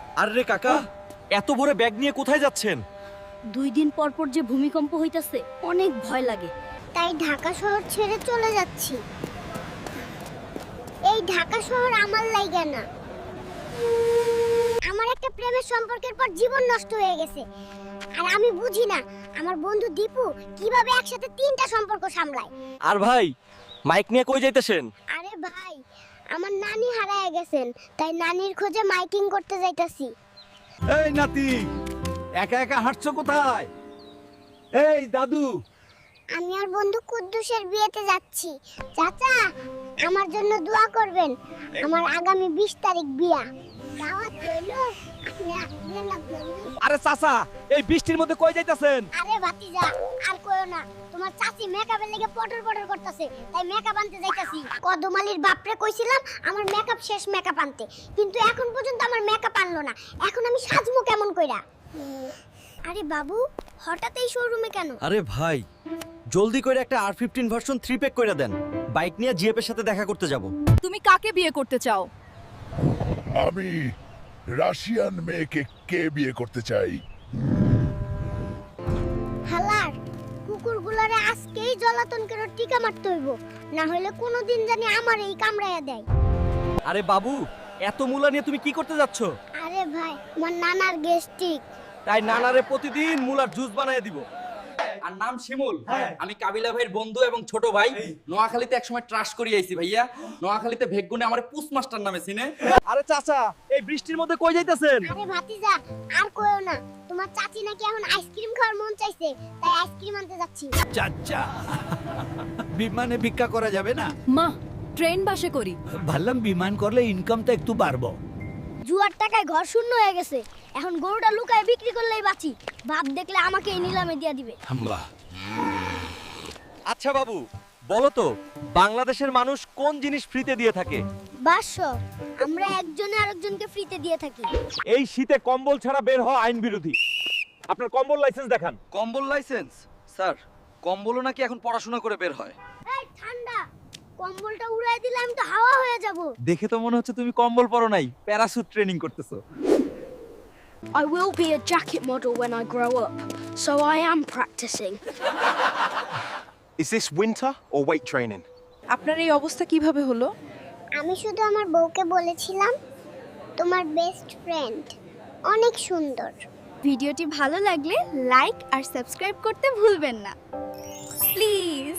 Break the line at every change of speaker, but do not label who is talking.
আরে কাকা, এত ভোরে ব্যাগ নিয়ে কোথায় যাচ্ছেন?
2 দিন পর পর যে ভূমিকম্প হইতাছে, অনেক ভয় লাগে।
তাই ঢাকা শহর ছেড়ে চলে যাচ্ছি। এই ঢাকা শহর আমার লাইগা না, আমার একটা প্রেমের সম্পর্কের পর জীবন নষ্ট হয়ে গেছে। আর আমি বুঝি না আমার বন্ধু দীপু কিভাবে একসাথে 3টা সম্পর্ক সামলায়।
আর ভাই, মাইক নিয়ে কই যাইতেছেন?
আরে ভাই, আমার নানি হারায় গেছেন, তাই নানির খোঁজে মাইকিং করতে যাইতাছি।
এই নাতি, একা একা হাঁটছো কোথায়? এই দাদু,
আমি আর বন্ধু কুদ্দুসের বিয়েতে যাচ্ছি। চাচা, আমার জন্য দোয়া করবেন। আমার আগামী 20 তারিখ বিয়া। দাওয়াত রইলো। আপনি আসবেন না বন্ধু?
আরে চাচা, এই বৃষ্টির মধ্যে কই যাইতেছেন?
আরে ভাতিজা, আর কইও না। তোমার চাচি মেকআপের লেগে পটর পটর করতেছে, তাই মেকআপ আনতে যাইতাছি। কদমালির বাপরে কইছিলাম আমার মেকআপ শেষ, মেকআপ আনতে, কিন্তু এখন পর্যন্ত আমার মেকআপ আনলো না। এখন আমি সাজমু কেমন কইরা? আরে বাবু, হঠাৎ এই শোরুমে কেন?
আরে ভাই, জলদি করে একটা R15 ভার্সন 3 প্যাক কইরা দেন। বাইক নিয়ে জিএপের সাথে দেখা করতে যাব।
তুমি কাকে বিয়ে করতে চাও?
আমি রাশিয়ান মেয়েকে কে বিয়ে করতে চাই?
হালার কুকুরগুলারে আজকেই জ্বালাতন করে টিকা মারতে হইব, না হলে কোনোদিন জানি আমার এই কামড়াইয়া দেয়।
আরে বাবু, এত মূলা নিয়ে তুমি কি করতে যাচ্ছ?
আরে ভাই, আমার নানার গেস্টিক।
তাই নানারে প্রতিদিন মূলার জুস বানায় দিব। আর নাম শিমুল, আমি কাবিলা ভাইয়ের বন্ধু এবং ছোট ভাই। নোয়াখালীতে একসময় ট্রাশ করি আইছি ভাইয়া। নোয়াখালীতে ভেগগুনে আমার পুস মাস্টার নামে চিনে। আরে চাচা, এই বৃষ্টির মধ্যে কই যাইতেছেন?
আরে ভাতিজা, আর কইও না। তোমার চাচি নাকি এখন আইসক্রিম খাওয়ার মন চাইছে, তাই আইসক্রিম আনতে যাচ্ছি।
চাচা, বিমানে ভিক্ষা করা যাবে না?
মা, ট্রেন বাসে করি।
ভাবলাম বিমান করলে ইনকামটা একটু বাড়বো।
জুয়ার টাকায় ঘর শূন্য হয়ে গেছে, এখন গরুটা লুকায় বিক্রি করলেই বাঁচি। বাপ দেখলে আমাকে এই নিলামে দিয়া দিবে।
আচ্ছা বাবু, বলো তো বাংলাদেশের মানুষ কোন জিনিস ফ্রিতে দিয়ে থাকে?
বাস, আমরা একজনে আরেকজনকে ফ্রিতে দিয়ে থাকি।
এই শীতে কম্বল ছাড়া বের হওয়া আইন বিরোধী। আপনার কম্বল লাইসেন্স দেখান।
কম্বল লাইসেন্স? স্যার, কম্বলও নাকি এখন পড়াশোনা করে বের হয়।
এই ঠান্ডা, কম্বলটা উড়াই দিলে আমি তো হাওয়া হয়ে যাব।
দেখে তো মনে হচ্ছে তুমি কম্বল পরো নাই, প্যারাসুট ট্রেনিং করতেছো।
I will be a jacket model when I grow up, so I am practicing.
Is this winter or weight training?
আপনার এই অবস্থা কিভাবে হলো?
আমি শুধু আমার বউকে বলেছিলাম তোমার বেস্ট ফ্রেন্ড অনেক সুন্দর।
ভিডিওটি ভালো লাগলে লাইক আর সাবস্ক্রাইব করতে ভুলবেন না প্লিজ।